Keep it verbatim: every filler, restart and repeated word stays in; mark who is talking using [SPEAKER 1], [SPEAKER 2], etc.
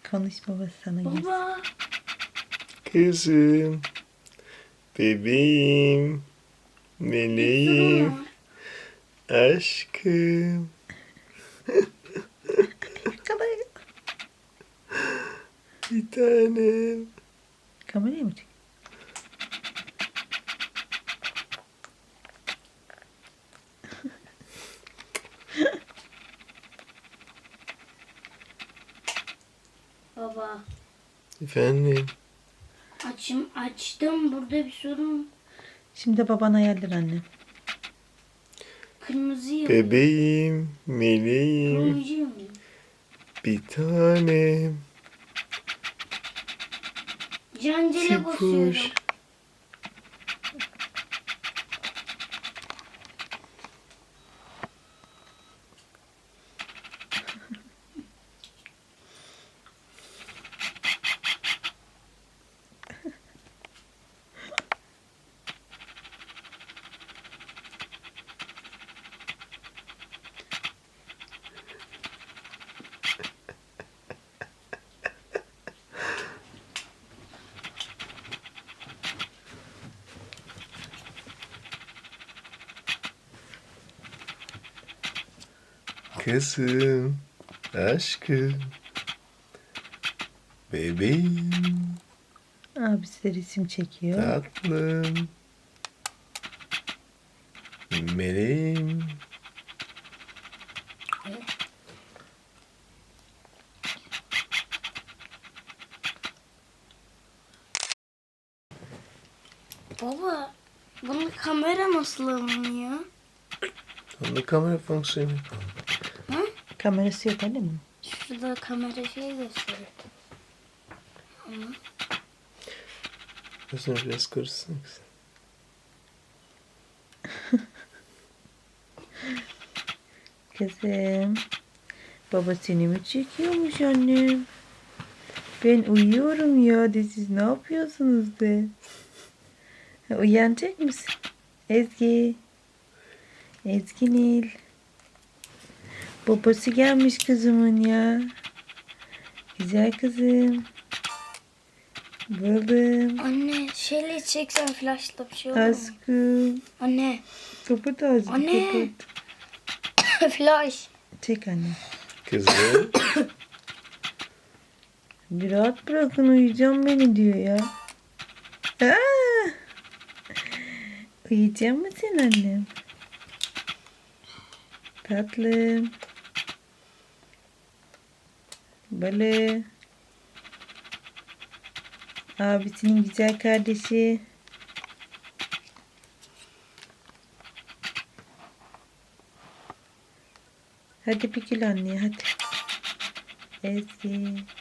[SPEAKER 1] Konuş babası sana gelsin.
[SPEAKER 2] Baba.
[SPEAKER 3] Kızım. Bebeğim. Meleğim. Aşkım.
[SPEAKER 1] Kamera,
[SPEAKER 3] Bir tanem.
[SPEAKER 1] kameraya mı çek?
[SPEAKER 2] Baba.
[SPEAKER 3] Efendim.
[SPEAKER 2] Açım açtım. Burada bir sorun.
[SPEAKER 1] Şimdi baban ayarlar annem.
[SPEAKER 2] Kırmızı yanıyor.
[SPEAKER 3] Bebeğim. Meleğim.
[SPEAKER 2] Turuncu yanıyor.
[SPEAKER 3] Bir tanem.
[SPEAKER 2] Cancele
[SPEAKER 3] Tipuş.
[SPEAKER 2] basıyorum.
[SPEAKER 3] Kızım. Aşkım. Bebeğim.
[SPEAKER 1] Abisi de resim çekiyor.
[SPEAKER 3] Tatlım. Meleğim.
[SPEAKER 2] Baba. Bunun kamera nasıl alınıyor?
[SPEAKER 3] Onda kamera fonksiyonu yok.
[SPEAKER 1] Kamerası yok anne mi?
[SPEAKER 2] Şurada kamera şey gösteriyor. Ama
[SPEAKER 3] Gözünü biraz karışsın.
[SPEAKER 1] Kızım. Baba seni mi çekiyormuş annem? Ben uyuyorum ya de siz ne yapıyorsunuz de? Ha, uyanacak mısın? Ezgi. Ezgi Nil. Babası gelmiş kızımın ya. Güzel kızım. Balım.
[SPEAKER 2] anne şeyle çeksen flashla bir şey olur mu?
[SPEAKER 1] Aşkım.
[SPEAKER 2] Anne.
[SPEAKER 1] Kapat ağzını
[SPEAKER 2] Anne.
[SPEAKER 1] kapat.
[SPEAKER 2] Flash.
[SPEAKER 1] Çek anne.
[SPEAKER 3] Kızım.
[SPEAKER 1] Bir rahat bırakın uyuyacağım beni diyor ya. Aa! Uyuyacak mısın annem? Tatlım. Balı. Abisinin güzel kardeşi. Hadi bir gül anneye hadi. Ezgi.